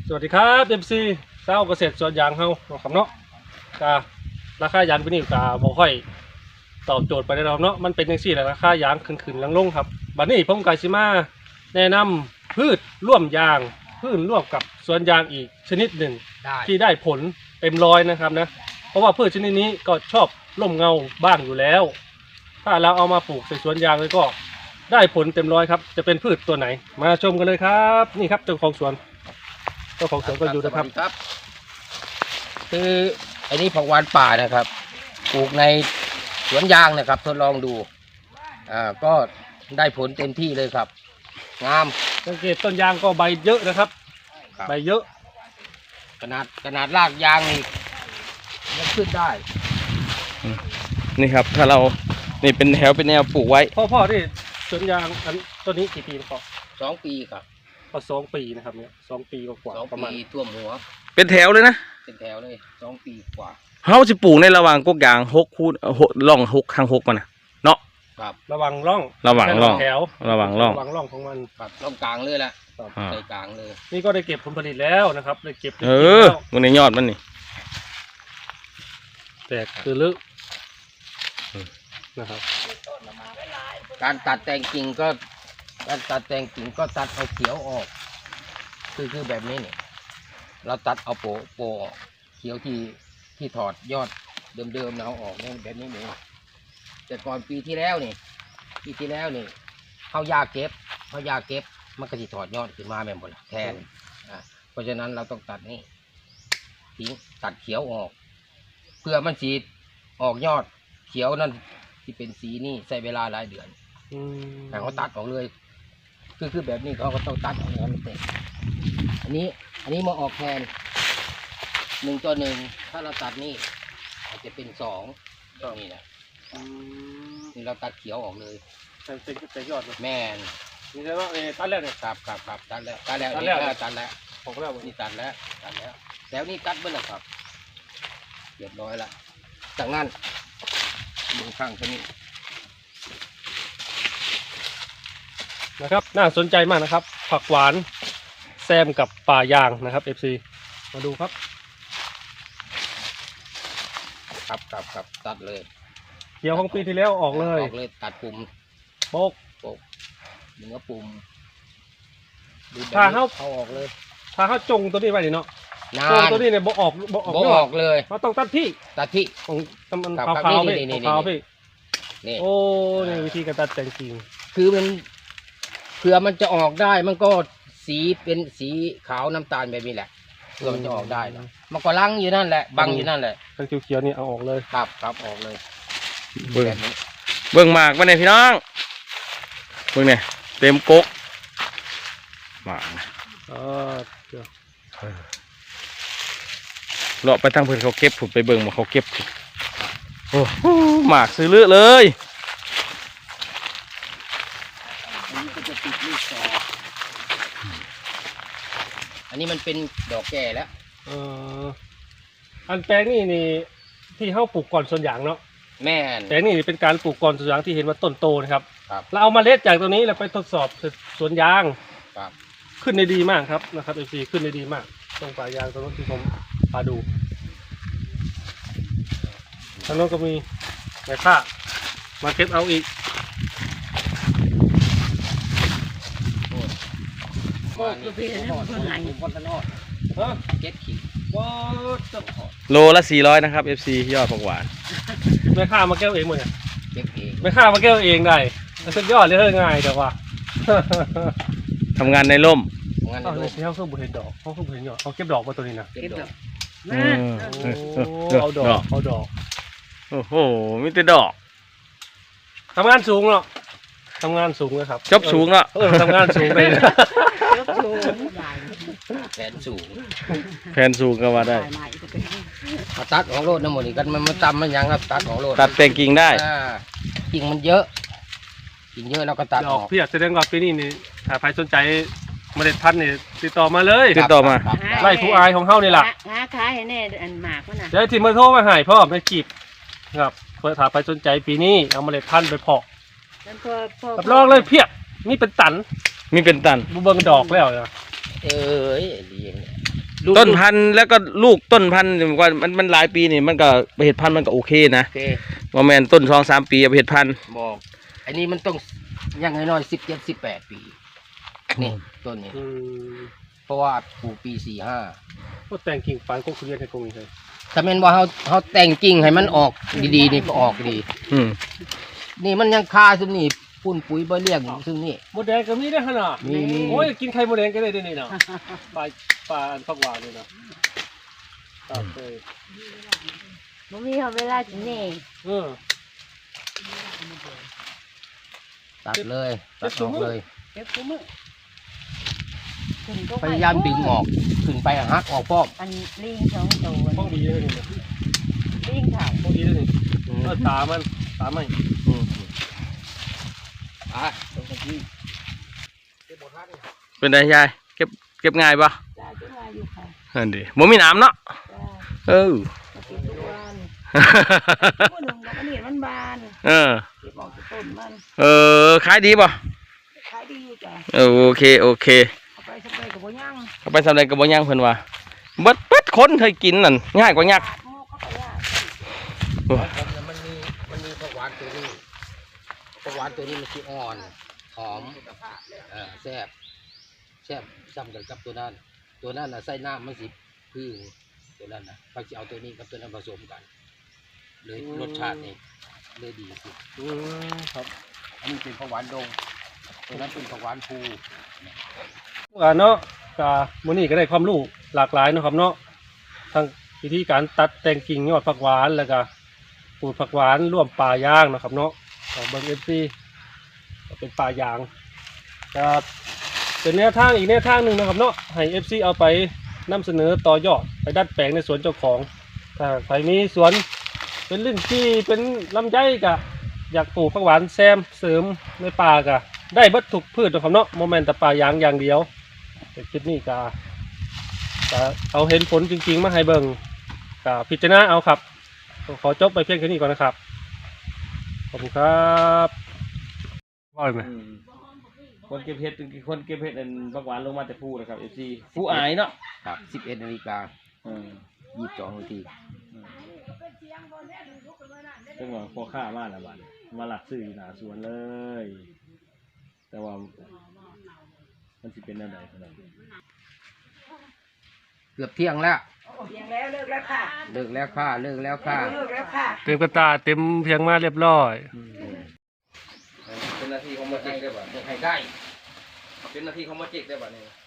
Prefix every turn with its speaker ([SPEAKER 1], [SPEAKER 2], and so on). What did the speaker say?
[SPEAKER 1] สวัสดีครับเอ็มซีเศร้าเกษตรสวนยางเฮาครับเนาะการาคายางปีนี้กาบ่ค่อยตอบโจทย์ไปได้แล้วเนาะมันเป็นจังซี่แหละราคายางขึ้นลงครับบัดนี้ผมก็สิมาแนะนำพืชร่วมยางพืชร่วมกับสวนยางอีกชนิดหนึ่งที่ได้ผลเต็มร้อยนะครับนะเพราะว่าพืชชนิดนี้ก็ชอบร่มเงาบ้างอยู่แล้วถ้าเราเอามาปลูกในสวนยางเลยก็ได้ผลเต็มร้อยครับจะเป็นพืชตัวไหนมาชมกันเลยครับนี่ครับเจ้าของสวนก็อยู่นะครับ
[SPEAKER 2] คืออันนี้ผักหวานป่านะครับปลูกในสวนยางนะครับทดลองดูก็ได้ผลเต็มที่เลยครับงาม
[SPEAKER 1] สังเกตต้นยางก็ใบเยอะนะครับใบเยอะ
[SPEAKER 2] ขนาดรากยางนี่มันขึ้นได้
[SPEAKER 3] นี่ครับถ้าเรานี่เป็นแถวเป็นแนวปลูกไว้
[SPEAKER 1] พ่อที่สวนยางอันต้นนี้กี่ปีพ่อ
[SPEAKER 2] 2 ปีครับ
[SPEAKER 1] ก็2 ปีนะครับเนี่ย2 ปีกว่า
[SPEAKER 2] ประมาณท่วมหัว
[SPEAKER 3] เป็นแถวเลยนะ
[SPEAKER 2] เป็นแถวเลย2 ปีกว่า
[SPEAKER 3] เขาจะปลูกในระหว่างกกยาง6 คูณร่อง6 ทาง 6มันนะเนาะ
[SPEAKER 2] ครับ
[SPEAKER 1] ระหว่างร่อง
[SPEAKER 3] แถวระหว่างร่อง
[SPEAKER 1] ของมัน
[SPEAKER 2] ครับร่องกลางเลยแหละใส่กลางเลย
[SPEAKER 1] นี่ก็ได้เก็บผลผลิตแล้วนะครับได้เก็บ
[SPEAKER 3] มันในยอดมันนี่
[SPEAKER 1] แตกคือลึกนะครับ
[SPEAKER 2] การตัดแต่งกิ่งก็ตัดเอาเขียวออกคือแบบนี้เนี่ยเราตัดเอาโปออกเขียวที่ถอดยอดเดิมเราออกเนี่ยแบบนี้เองแต่ก่อนปีที่แล้วนี่เขายาเก็บมันก็จะถอดยอดขึ้นมาแบบหมดแทนเพราะฉะนั้นเราต้องตัดนี่ทิ้งตัดเขียวออกเพื่อมันสีออกยอดเขียวนั่นที่เป็นสีนี่ใช้เวลาหลายเดือนแต่เขาตัดออกเลยคือแบบนี้เขาก็ต้องตัดออกมันเต็มอันนี้มาออกแทน1 ต่อ 1ถ้าเราตัดนี่อาจจะเป็น2นี่นะนี่เราตัดเขียวออกเลย
[SPEAKER 1] เป็นยอด
[SPEAKER 2] แม่น
[SPEAKER 1] นี่ใช่ไหมตัดแล้วเนี่ย
[SPEAKER 2] ครับตัดแล้ว
[SPEAKER 1] ผมแล้ว
[SPEAKER 2] นี่ตัดแล้วแล้วนี่ตัดเมื่อไหร่ครับเรียบร้อยละจากนั้นดูข้างนี้
[SPEAKER 1] นะครับน่าสนใจมากนะครับผักหวานแซมกับป่ายางนะครับ FC มาดูครับ
[SPEAKER 2] ตัดเลย
[SPEAKER 1] เกี่ยวของปีที่แล้วออกเลย
[SPEAKER 2] ตัดปุ่ม
[SPEAKER 1] โบก
[SPEAKER 2] เนื้อปุ่ม
[SPEAKER 1] ถ้าเขา
[SPEAKER 2] ออกเลย
[SPEAKER 1] ถ้าเขาจงตัวนี้ไว้ดิเนาะจงตัวนี้เนี่ยโบออก
[SPEAKER 2] เลย
[SPEAKER 1] เราต้องตัดที่ของมันขาวพี่นี่โอ้นี่วิธีการตัดแต่งจริง
[SPEAKER 2] คือมันเผื่อมันจะออกได้มันก็สีเป็นสีขาวน้ำตาลแบบนี้แหละเผื่อมันจะออกได้นะมันก็ลังอยู่นั่นแหละบังอยู่นั่นแหละ
[SPEAKER 1] ทั้งเขียวๆนี่เอาออกเลย
[SPEAKER 2] ครับออกเลย
[SPEAKER 3] เบิ่งหมากมาเนี่ยพี่น้องเบิ่งเนี่ยเต็มกกหมากเลาะไปทางเพื่อนเขาเก็บผุดไปเบิ่งมาเขาเก็บโอ้หมากซื้อเลือเลย
[SPEAKER 2] อันนี้มันเป็นดอกแก่แล้ว
[SPEAKER 1] อันแปลงนี่ที่เขาปลูกก่อนส่วนอย่างเนาะ
[SPEAKER 2] แม่
[SPEAKER 1] แปลงนี่เป็นการปลูกก่อนส่วนอย่างที่เห็นว่าต้นโตนะครับเราเอาเมล็ดจากตัวนี้เราไปทดสอบสวนยางขึ้นได้ดีมากครับนะครับFCขึ้นได้ดีมากตรงป่ายางตรงนั้นที่ผมพาดูทางโน้นก็มีแม่ค้ามาเก็บเอาอีก
[SPEAKER 2] เก็บขิง
[SPEAKER 3] โลละ400นะครับ FC ยอดผักหวาน
[SPEAKER 1] แม่ค้ามาแก้วเองหมดเนี่ย
[SPEAKER 2] เก็บเอง
[SPEAKER 1] แม่ค้ามาแก้วเองได้สุดยอดเลยง่ายแต่ว่า
[SPEAKER 3] ทำงานในร่ม
[SPEAKER 1] เขาเครื่องบุเห็นดอกเขาเครื่องบุเห็นดอกเขาเก็บดอกมาตัวนี้นะ
[SPEAKER 2] เก็บดอก
[SPEAKER 1] เอาดอก
[SPEAKER 3] โอ้โหมีแต่ดอก
[SPEAKER 1] ทำงานสูงเนาะทำงานสูงเลยครับ
[SPEAKER 3] จบสูงเนาะ
[SPEAKER 1] ทำงานสูงไป
[SPEAKER 2] แผน
[SPEAKER 3] สูงก็ว่าได้
[SPEAKER 2] ตัดของโลดน้ำมันนี่กันมันตำมันยังครับตัดของโลด
[SPEAKER 3] ตัดแต่งกิ่งได้
[SPEAKER 2] กิ่งมันเยอะเราก็ตัดออก
[SPEAKER 1] พี่อยากแสดงว่าปีนี้นี่ถ้าใครสนใจเมล็ดพันธุ์นี่ติดต่อมาเลย
[SPEAKER 3] ติดต่อมา
[SPEAKER 1] ไล่ผู้อายของเขานี่แหละ
[SPEAKER 4] ขายให้แน่อันหมากนะ
[SPEAKER 1] เดี๋ยวที่มาโทรมาหายพ่อไม่จีบครับเพื่อถ้าใครสนใจปีนี้เอาเมล็ดพันธุ์ไปเพาะรับรองเลยเพียบนี่เป็นตัน
[SPEAKER 3] มีเป็นตัน
[SPEAKER 1] บุเบิงดอกแล้ว
[SPEAKER 2] ดีอย่าง
[SPEAKER 3] ต้นพันธุ์แล้วก็ลูกต้นพันธุ์ว่ามันหลายปีนี่มันก็ไปเห็ดพันธุ์มันก็โอเคนะ
[SPEAKER 2] โอเค
[SPEAKER 3] ว่าแมนต้น2-3 ปีเอาไปเห็ดพันธุ์
[SPEAKER 2] บอกอันนี้มันต้องยังน้อย17-18 ปีนี่ต้นนี้
[SPEAKER 1] อืม
[SPEAKER 2] เพราะว่าปลูกปี45
[SPEAKER 1] ก็แต่งกิ่งปานก็คือเรียนให้คงนี่เลย
[SPEAKER 2] ถ้าแม่นว่าเขาแต่งกิ่งให้มันออกดีๆนี่ก็ออกดี
[SPEAKER 3] อืม
[SPEAKER 2] นี่มันยังคาซึ่งนี่ปุ่นปุ๋ยบ่เลี้ยงซึ่งนี่
[SPEAKER 1] มดแดงก็มีได้ขนาด
[SPEAKER 2] มี
[SPEAKER 1] โอ้ยกินไข่มดแดงก็ได้ด้วยนี่เนาะปลาอันฟักหวานนี่เนาะครับเออ
[SPEAKER 4] บ่มีเวลากินแน่
[SPEAKER 1] เออ
[SPEAKER 2] ตัดเลยตัดออกเลย
[SPEAKER 4] เก็บกูมือขึ้นก็
[SPEAKER 2] พยายามดึงออกขึ้นไปหักออกป้อม
[SPEAKER 4] อันลิง2ตัว
[SPEAKER 1] ป้องดีเลยนี่เนาะ
[SPEAKER 4] ลิงค่ะ
[SPEAKER 1] ป้องดีเลยนี่เออตามัน
[SPEAKER 3] อืม
[SPEAKER 2] อ่ะตรงนี้
[SPEAKER 3] เป็นไงยายเก็บง่ายปะ
[SPEAKER 4] จ้าจังว่าอยู่ค่ะ
[SPEAKER 3] อันดีบ่มีน้ำเนาะ
[SPEAKER 4] จ้า
[SPEAKER 3] เออ
[SPEAKER 4] ก็เก็บทุกวันผู้หนึ่งดอกอันนี้มันบาน
[SPEAKER 3] เออ
[SPEAKER 4] เก็บออกจากต้นมัน
[SPEAKER 3] ขายดีปะ
[SPEAKER 4] ขายดีอยู่จ้ะ
[SPEAKER 3] โอเค
[SPEAKER 4] เอาไปสเปรย์กับบ่ย่าง
[SPEAKER 3] เอาไปสำเร็จกับบ่ย่างเพิ่นว่าเบิดคนเคยกินนั่นง่ายกว่ายักษ์
[SPEAKER 4] ปาดหม้อเข้าไปย่าง
[SPEAKER 2] มันมีผักหวานตัวนี้ผักหวานตัวนี้มันสิอ่อนหอมแซ่บซ้ำกันกับตัวนั้นน่ะใส่น้ำมันสิพึ่งตัวนั้นน่ะเขาสิเอาตัวนี้กับตัวนั้นผสมกันเลยรสชาตินี่เลยดีสุด
[SPEAKER 1] ครับ
[SPEAKER 2] อันนี้เป็นผักหวานดงตัวนั้นเป็นผักหวานภู
[SPEAKER 1] เนาะกามื้อนี้ก็ได้ความรู้หลากหลายเนาะครับเนาะทั้งวิธีการตัดแต่งกิ่งยอดผักหวานแล้วก็ปลูกผักหวานร่วมป่ายางเนาะครับเนาะของเบิ่ง FC ก็เป็นป่ายางก็เป็นแนวทางอีกแนวทางหนึ่งนะครับเนาะให้ FC เอาไปนำเสนอต่อยอดไปดัดแปลงในสวนเจ้าของถ้าใครมีสวนเป็นลิ้นจี้เป็นลำไยก็อยากปลูกผักหวานแซมเสริมในป่าก็ได้เบิดทุกพืชเนาะครับเนาะโมเมนต์แต่ป่ายางอย่างเดียวแต่คลิปนี้ก็เอาเห็นผลจริงๆมาให้เบิ่งก็พิจารณาเอาครับขอจบไปเพียงแค่นี้ก่อนนะครับขอบคุณครับว่าไหม
[SPEAKER 3] คนเก็บเห็ดอันบักหวานลงมาแต่ผู้นะครับ FC ผู้อายเนาะ
[SPEAKER 2] ครับ11 นาฬิกา 22 นาที
[SPEAKER 3] จังหวะพอค่ามาแล้วบัดมาหลักซื้ออยู่หน้าสวนเลย แต่ว่ามันสิเป็นแนวใดขนาด
[SPEAKER 2] เกือบเที่ยงแล้ว
[SPEAKER 4] เลี้ยงแล้วเลิกแล้วค่ะ
[SPEAKER 2] เลิกแล้วค่ะ
[SPEAKER 4] เลิกแล้วค่ะ
[SPEAKER 1] เต็มกระตาเต็มเพียงมาเรียบร้อย
[SPEAKER 3] เป็นหน้าที่ของมาเจ๊กได้บ่
[SPEAKER 2] ให้ได้
[SPEAKER 3] เป็นหน้าที่ของมาเจ๊กได้บ่เนี่ย